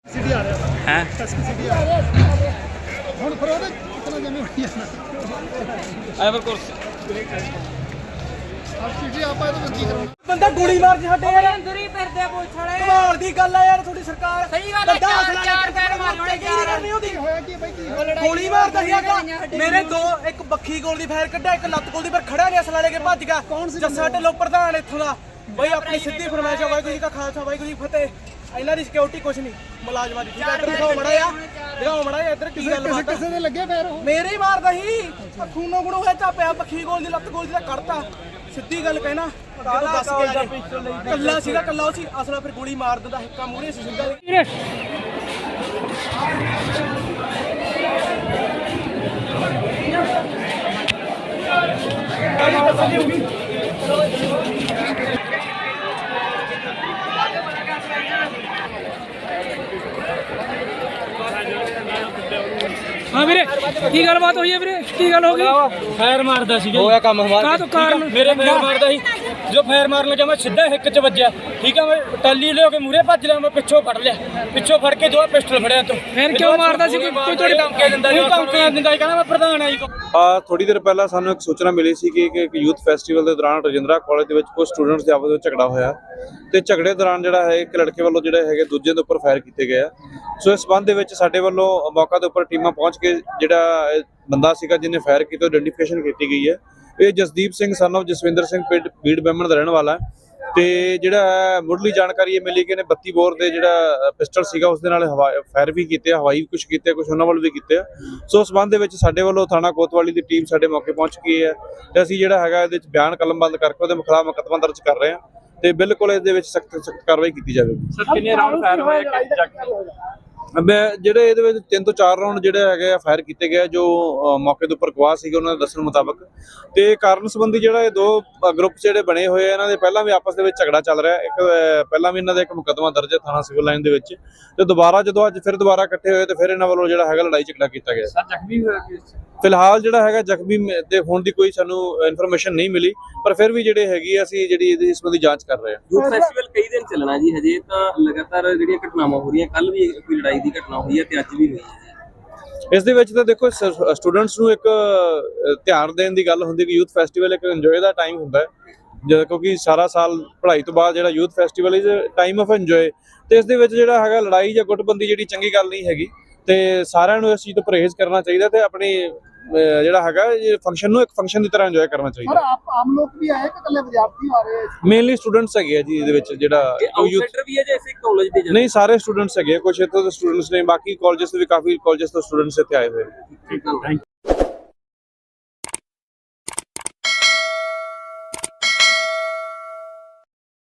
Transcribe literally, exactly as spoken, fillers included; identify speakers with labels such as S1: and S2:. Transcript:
S1: city आ रहा है
S2: हैं
S1: एसपी सिटी आ रहा है ਹੁਣ ਫਿਰ ਉਹਦੇ ਕਿਤਨਾ ਜਮੇ ਹੋਈ ਜਾਂਦਾ
S2: ਐਵਰ ਕੋਰਸ
S1: ਆਪ ਸਿਟੀ ਆਪਾਂ ਇਹਦੇ ਵਿੱਚ ਕੀ ਕਰੋ
S3: ਬੰਦਾ ਗੋਲੀ ਮਾਰ ਛੱਡੇ ਯਾਰ
S4: ਅੰਦਰ ਹੀ ਫਿਰਦੇ ਪੁਲਿਸ ਵਾਲੇ
S3: ਕਮਾਲ ਦੀ ਗੱਲ ਆ ਯਾਰ ਤੁਹਾਡੀ ਸਰਕਾਰ
S4: ਸਹੀ ਗੱਲ ਹੈ ਚਾਰ ਚਾਰ ਪੈਰ ਮਾਰਨੇ
S3: ਨਹੀਂ ਉਹਦੀ
S1: ਹੋਇਆ ਕੀ ਬਾਈ ਕੀ
S3: ਗੋਲੀ ਮਾਰਦਾ ਸੀ ਆਗਾ ਮੇਰੇ ਦੋ ਇੱਕ ਬੱਖੀ ਗੋਲ ਦੀ ਫਾਇਰ ਕੱਢਿਆ ਇੱਕ ਲੱਤ ਗੋਲ ਦੀ ਪਰ ਖੜਾ ਨਹੀਂ ਅਸਲਾ ਲੈ ਕੇ ਭੱਜ ਗਿਆ ਜੱਸਾ ਢਿੱਲੋਂ ਪ੍ਰਧਾਨ ਇੱਥੋਂ ਦਾ ਬਈ ਆਪਣੀ ਸਿੱਧੀ ਫਰਮਾਇਸ਼ ਵਾਹਿਗੁਰੂ ਜੀ ਕਾ ਖਾਲਸਾ ਵਾਹਿਗੁਰੂ ਜੀ ਕੀ ਫਤਿਹ ਇਹਨਾਂ ਦੀ ਸਿਕਿਉਰਿਟੀ ਕੁਛ ਨਹੀਂ ਮੁਲਾਜ਼ਮਾਂ ਦੀ ਠੀਕ ਹੈ ਇੱਧਰ ਦਿਖਾਓ ਮੜਾ ਆ ਦਿਖਾਓ ਮੜਾ ਆ ਇੱਧਰ ਕੀ ਗੱਲ ਬਾਤ
S1: ਕਿਸੇ ਦੇ ਲੱਗੇ ਫੇਰ ਉਹ
S3: ਮੇਰੇ ਹੀ ਮਾਰਦਾ ਸੀ ਖੂਨੋ ਗੁਣੋ ਹੋਇਆ ਚਾਪਿਆ ਬੱਖੀ ਗੋਲ ਦੀ ਲੱਤ ਗੋਲ ਦੀ ਤਾਂ ਕੱਢਤਾ ਸਿੱਧੀ ਗੱਲ ਕਹਿਣਾ ਜਦੋਂ ਦੱਸ ਗਿਆ ਕੱਲਾ ਸੀਗਾ ਕੱਲਾ ਉਹ ਸੀ ਅਸਲਾ ਫਿਰ ਗੋਲੀ ਮਾਰ ਦਿੰਦਾ ਹਿੱਕਾ ਮੂਹਰੇ ਸੀ ਸਿੱਧਾ
S2: हाँ वीरे की गल बात हुई है वीरे की गल हो गई
S5: फायर मारदा सीगा
S2: होया काम हमारा का तो कारण
S5: मेरे फायर मारदा सी जो फायर मारन लगा मैं सीधा हिक च वज्या ठीक है मैं टल्ली ले के मूरे भज लिया मैं पिछों फड़ लिया पिछों फड़ के दो पिस्टल फड़या तो
S2: फिर क्यों मारदा सी कोई थोड़ी
S5: धमकी दिंदा जी धमकी दिंदा कहना मैं प्रधान आई
S6: ਆ ਥੋੜੀ ਦੇਰ ਪਹਿਲਾਂ ਸਾਨੂੰ ਇੱਕ ਸੂਚਨਾ ਮਿਲੀ ਸੀ ਕਿ ਇੱਕ ਯੂਥ ਫੈਸਟੀਵਲ ਦੇ ਦੌਰਾਨ ਰਜਿੰਦਰਾ ਕਾਲਜ ਦੇ ਵਿੱਚ ਕੁਝ ਸਟੂਡੈਂਟਸ ਦੇ ਆਪਸ ਵਿੱਚ ਝਗੜਾ ਹੋਇਆ ਤੇ ਝਗੜੇ ਦੌਰਾਨ ਜਿਹੜਾ ਹੈ ਇੱਕ ਲੜਕੇ ਵੱਲੋਂ ਜਿਹੜੇ ਹੈਗੇ ਦੂਜੇ ਦੇ ਉੱਪਰ ਫਾਇਰ ਕੀਤੇ ਗਏ ਆ ਸੋ ਇਸ ਸੰਬੰਧ ਦੇ ਵਿੱਚ ਸਾਡੇ ਵੱਲੋਂ ਮੌਕਾ ਦੇ ਉੱਪਰ ਟੀਮਾਂ ਪਹੁੰਚ ਕੇ ਜਿਹੜਾ ਬੰਦਾ ਸੀਗਾ ਜਿਹਨੇ ਫਾਇਰ ਕੀਤਾ ਆਇਡੈਂਟੀਫਿਕੇਸ਼ਨ ਕੀਤੀ ਗਈ ਹੈ ਇਹ ਜਸਦੀਪ ਸਿੰਘ ਸਨ ਆਫ ਜਸਵਿੰਦਰ ਸਿੰਘ ਬੀੜ ਬੈਮਣ ਦਾ ਰਹਿਣ ਵਾਲਾ ਹੈ ਤੇ ਜਿਹੜਾ ਮੁੱਢਲੀ ਜਾਣਕਾਰੀ ਇਹ ਮਿਲੀ ਕਿ ਇਹਨੇ ਬੱਤੀ ਬੋਰ ਦੇ ਜਿਹੜਾ ਪਿਸਟਲ ਸੀਗਾ ਉਸ ਦੇ ਨਾਲ ਫਾਇਰ ਵੀ ਕੀਤੇ ਹਵਾਈ ਵੀ ਕੁਝ ਕੀਤੇ ਕੁਝ ਉਹਨਾਂ ਵੱਲ ਵੀ ਕੀਤੇ ਆ ਸੋ ਉਸ ਸੰਬੰਧ ਦੇ ਵਿੱਚ ਸਾਡੇ ਵੱਲੋਂ ਥਾਣਾ ਕੋਤਵਾਲੀ ਦੀ ਟੀਮ ਸਾਡੇ ਮੌਕੇ ਪਹੁੰਚ ਗਈ ਹੈ ਤੇ ਅਸੀਂ ਜਿਹੜਾ ਹੈਗਾ ਇਹਦੇ ਵਿੱਚ ਬਿਆਨ ਕਲਮਬੰਦ ਕਰਕੇ ਉਹਦੇ ਖਿਲਾਫ ਮੁਕੱਦਮਾ ਦਰਜ ਕਰ ਰਹੇ ਹਾਂ ਤੇ ਬਿਲਕੁਲ ਇਸ ਦੇ ਵਿੱਚ ਸਖਤ ਸਖਤ ਕਾਰਵਾਈ ਕੀਤੀ ਜਾਵੇਗੀ
S2: सर कितने राउंड फायर हुए
S6: ਮੈਂ ਜਿਹੜੇ ਇਹਦੇ ਵਿੱਚ ਤਿੰਨ ਤੋਂ ਚਾਰ ਰਾਉਂਡ ਜਿਹੜੇ ਹੈਗੇ ਆ ਫਾਇਰ ਕੀਤੇ ਗਏ ਜੋ ਮੌਕੇ ਦੇ ਉੱਪਰ ਗਵਾਹ ਸੀਗੇ ਉਹਨਾਂ ਦੇ ਦੱਸਣ ਮੁਤਾਬਕ ਤੇ ਕਾਰਨ ਸੰਬੰਧੀ ਜਿਹੜਾ ਇਹ ਦੋ ਗਰੁੱਪ ਜਿਹੜੇ ਬਣੇ ਹੋਏ ਆ ਇਹਨਾਂ ਦੇ ਪਹਿਲਾਂ ਵੀ ਆਪਸ ਦੇ ਵਿੱਚ ਝਗੜਾ ਚੱਲ ਰਿਹਾ ਇੱਕ ਪਹਿਲਾਂ ਵੀ ਇਹਨਾਂ ਦਾ ਇੱਕ ਮੁਕੱਦਮਾ ਦਰਜ ਹੈ ਥਾਣਾ ਸਿਵਲ ਲਾਈਨ ਦੇ ਵਿੱਚ ਤੇ ਦੁਬਾਰਾ ਜਦੋਂ ਅੱਜ ਫਿਰ ਦੁਬਾਰਾ ਇਕੱਠੇ ਹੋਏ ਤੇ ਫਿਰ ਇਹਨਾਂ ਵੱਲੋਂ ਜਿਹੜਾ ਹੈਗਾ ਲੜਾਈ ਝਗੜਾ ਕੀਤਾ ਗਿਆ
S2: सर जख्मी हुए
S6: ਫਿਲਹਾਲ ਜਿਹੜਾ ਹੈਗਾ ਜ਼ਖਮੀ ਦੇ ਹੋਣ ਦੀ ਕੋਈ ਸਾਨੂੰ ਇਨਫੋਰਮੇਸ਼ਨ ਨਹੀਂ ਮਿਲੀ ਪਰ ਫਿਰ ਵੀ ਜਿਹੜੇ ਹੈਗੀ ਆ ਅਸੀਂ ਜਿਹੜੀ ਇਹਦੀ ਇਸ ਸੰਬੰਧੀ ਜਾਂਚ ਕਰ ਰਹੇ ਹਾਂ
S7: ਯੂਥ ਫੈਸਟੀਵਲ ਕਈ ਦਿਨ ਚੱਲਣਾ ਜੀ ਹਜੇ ਤਾਂ ਲਗਾਤਾਰ ਜਿਹੜੀਆਂ ਘਟਨਾਵਾਂ ਹੋ ਰਹੀਆਂ ਕੱਲ ਵੀ ਕੋਈ ਲੜਾਈ ਦੀ ਘਟਨਾ ਹੋਈ ਹੈ ਤੇ ਅੱਜ ਵੀ ਹੋਈ ਹੈ
S6: ਇਸ ਦੇ ਵਿੱਚ ਤਾਂ ਦੇਖੋ ਸਟੂਡੈਂਟਸ ਨੂੰ ਇੱਕ ਧਿਆਨ ਦੇਣ ਦੀ ਗੱਲ ਹੁੰਦੀ ਕਿ ਯੂਥ ਫੈਸਟੀਵਲ ਇੱਕ ਇੰਜੋਏ ਦਾ ਟਾਈਮ ਹੁੰਦਾ ਹੈ ਜਦ ਕਿਉਂਕਿ ਸਾਰਾ ਸਾਲ ਪੜ੍ਹਾਈ ਤੋਂ ਬਾਅਦ ਜਿਹੜਾ youth festival is time of enjoy ਤੇ ਇਸ ਦੇ ਵਿੱਚ ਜਿਹੜਾ ਹੈਗਾ ਲੜਾਈ ਜਾਂ ਗੁੱਟਬੰਦੀ ਜਿਹੜੀ ਚੰਗੀ ਗੱਲ ਨਹੀਂ ਹੈਗੀ ਤੇ ਸਾਰਿਆਂ ਨੂੰ ਇਸ ਚੀਜ਼ ਤੋਂ ਪਰਹੇਜ਼ ਕਰਨਾ ਚਾਹੀਦਾ ਤੇ ਆਪਣੀ ਜਿਹੜਾ ਹੈਗਾ ਇਹ ਫੰਕਸ਼ਨ ਨੂੰ ਇੱਕ ਫੰਕਸ਼ਨ ਦੀ ਤਰ੍ਹਾਂ ਇੰਜੋਏ ਕਰਨਾ ਚਾਹੀਦਾ
S1: ਪਰ ਆਪ ਆਮ ਲੋਕ ਵੀ ਆਏ ਕਿ ਕੱਲੇ ਵਿਦਿਆਰਥੀ ਆ ਰਹੇ
S6: ਮੇਨਲੀ ਸਟੂਡੈਂਟਸ ਹੈਗੇ ਆ ਜੀ ਇਹਦੇ ਵਿੱਚ ਜਿਹੜਾ
S7: ਆਊਟਸਾਈਡਰ ਵੀ ਹੈ ਜਾਂ ਇਸੇ ਕਾਲਜ ਦੇ
S6: ਨਹੀਂ ਸਾਰੇ ਸਟੂਡੈਂਟਸ ਹੈਗੇ ਕੁਝ ਇੱਥੋਂ ਦੇ ਸਟੂਡੈਂਟਸ ਨੇ ਬਾਕੀ ਕਾਲਜਸ ਤੋਂ ਵੀ ਕਾਫੀ ਕਾਲਜਸ ਤੋਂ ਸਟੂਡੈਂਟਸ ਇੱਥੇ ਆਏ ਹੋਏ ਨੇ
S7: ਜਨ